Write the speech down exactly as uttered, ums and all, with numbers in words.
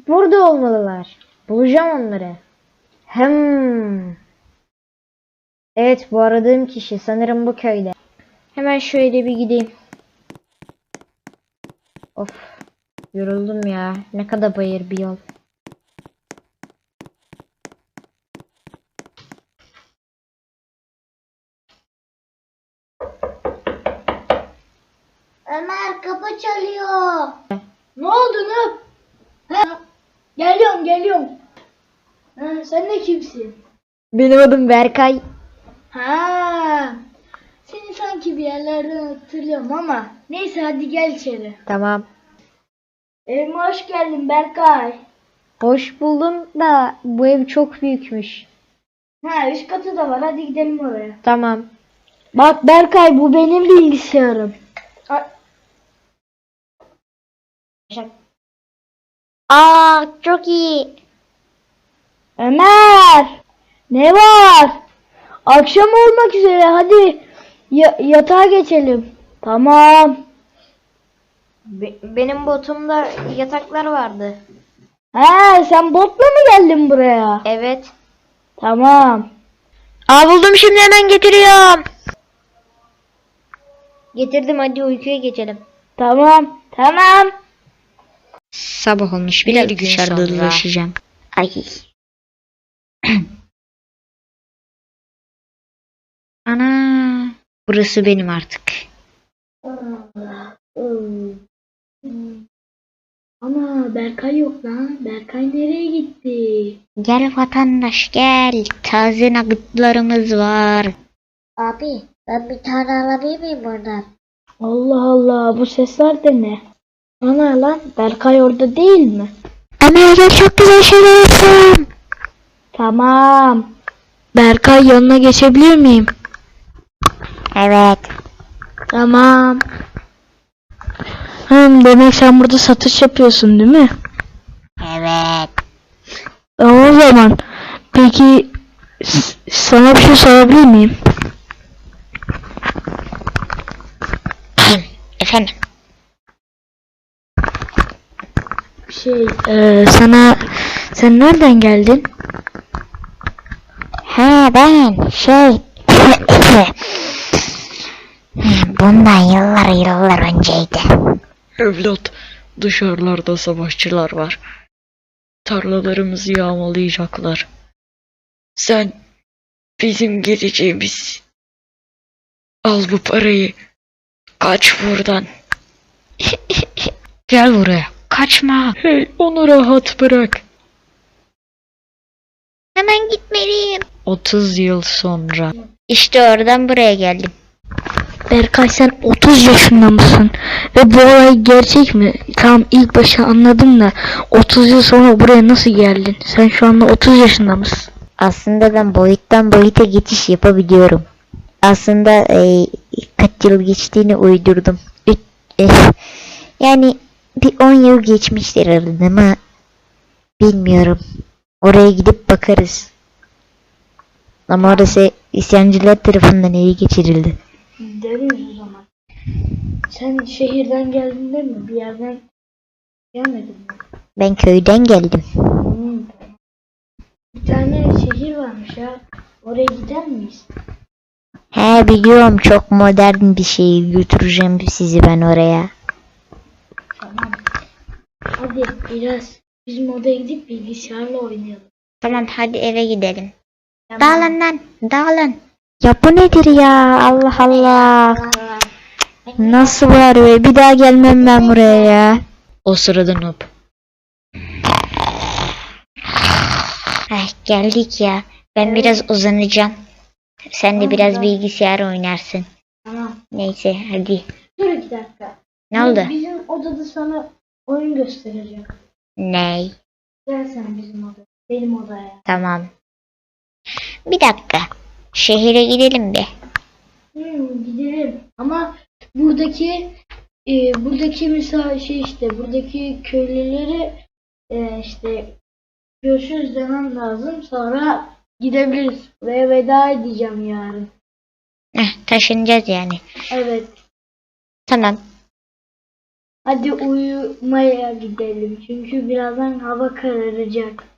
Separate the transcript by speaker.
Speaker 1: Burada olmalılar. Bulacağım onları. Hem. Evet, bu aradığım kişi sanırım bu köyde. Hemen şöyle bir gideyim. Of. Yoruldum ya. Ne kadar bayır bir yol.
Speaker 2: Ömer kapı çalıyor. Ne oldu Nup? Ha? Geliyorum geliyorum. Ha, sen de kimsin?
Speaker 1: Benim adım Berkay.
Speaker 2: Ha. Seni sanki bir yerlerden hatırlıyorum ama neyse hadi gel içeri.
Speaker 1: Tamam.
Speaker 2: Evime hoş geldin Berkay.
Speaker 1: Hoş buldum da bu ev çok büyükmüş.
Speaker 2: Ha üst katı da var, hadi gidelim oraya.
Speaker 1: Tamam.
Speaker 2: Bak Berkay, bu benim bilgisayarım.
Speaker 1: Aa, çok iyi.
Speaker 2: Ömer! Ne var? Akşam olmak üzere, hadi ya- yatağa geçelim. Tamam.
Speaker 1: Be- benim botumda yataklar vardı.
Speaker 2: He, sen botla mı geldin buraya?
Speaker 1: Evet.
Speaker 2: Tamam.
Speaker 1: Aa, buldum, şimdi hemen getiriyorum. Getirdim, hadi uykuya geçelim.
Speaker 2: Tamam. Tamam.
Speaker 1: Sabah olmuş, bir gün dışarıda dolaşacağım. Ay. Ana, burası benim artık.
Speaker 2: Ana, Berkay yok lan. Berkay nereye gitti?
Speaker 1: Gel vatandaş gel, taze nuggetlarımız var.
Speaker 2: Abi, ben bir tane alabilir miyim buradan? Allah Allah, bu sesler de ne? Ana lan, Berkay orada değil mi?
Speaker 1: Ama öyle çok güzel şeyler yaptım.
Speaker 2: Tamam. Berkay, yanına geçebilir miyim?
Speaker 1: Evet.
Speaker 2: Tamam. Hım, demek sen burada satış yapıyorsun değil mi?
Speaker 1: Evet.
Speaker 2: E, o zaman peki s- sana bir şey sorabilir miyim?
Speaker 1: Efendim.
Speaker 2: Şey, e, sana sen nereden geldin?
Speaker 1: Ha, ben şey. Bundan yıllar yıllar önceydi.
Speaker 3: Evlat, dışarılarda savaşçılar var. Tarlalarımızı yağmalayacaklar. Sen bizim geleceğimiz. Al bu parayı. Kaç buradan.
Speaker 1: Gel buraya. Kaçma.
Speaker 3: Hey, onu rahat bırak.
Speaker 1: Hemen gitmeliyim.
Speaker 3: otuz yıl sonra.
Speaker 1: İşte oradan buraya geldim.
Speaker 2: Berkay, sen otuz yaşında mısın? Ve bu olay gerçek mi? Tamam, ilk başta anladım da otuz yıl sonra buraya nasıl geldin? Sen şu anda otuz yaşında mısın?
Speaker 1: Aslında ben boyuttan boyuta geçiş yapabiliyorum. Aslında e, kaç yıl geçtiğini uydurdum. Üç, e, yani bir on yıl geçmiştir aradan ama bilmiyorum. Oraya gidip bakarız. Ama orası isyancılar tarafından ele geçirildi.
Speaker 2: Gideriz o zaman. Sen şehirden geldin değil mi? Bir yerden gelmedin mi?
Speaker 1: Ben köyden geldim.
Speaker 2: Hmm. Bir tane şehir varmış ya. Oraya gider miyiz?
Speaker 1: He, biliyorum, çok modern bir şey, götüreceğim sizi ben oraya.
Speaker 2: Tamam. Hadi biraz bizim odaya gidip bilgisayarla oynayalım.
Speaker 1: Tamam, hadi eve gidelim.
Speaker 2: Tamam.
Speaker 1: Dağılın lan, dağılın. Ya bu nedir ya, Allah Allah. Nasıl var be, bir daha gelmem ben buraya ya.
Speaker 3: O sırada Noob.
Speaker 1: Ay, geldik ya. Ben biraz uzanacağım. Sen de
Speaker 2: Tamam,
Speaker 1: biraz
Speaker 2: tamam.
Speaker 1: bilgisayar oynarsın.
Speaker 2: Tamam.
Speaker 1: Neyse, hadi.
Speaker 2: Dur iki dakika.
Speaker 1: Ne oldu?
Speaker 2: Bizim odada sana oyun göstereceğim.
Speaker 1: Ney?
Speaker 2: Gel sen bizim odaya. Benim odaya.
Speaker 1: Tamam. Bir dakika. Şehire gidelim bir.
Speaker 2: Hmm, gidelim. Ama buradaki e, buradaki mesela şey işte buradaki köylüleri e, işte görüşürüz demem lazım. Sonra gidebiliriz. Ve veda edeceğim yarın.
Speaker 1: Heh, taşınacağız yani.
Speaker 2: Evet.
Speaker 1: Tamam.
Speaker 2: Hadi uyumaya gidelim çünkü birazdan hava kararacak.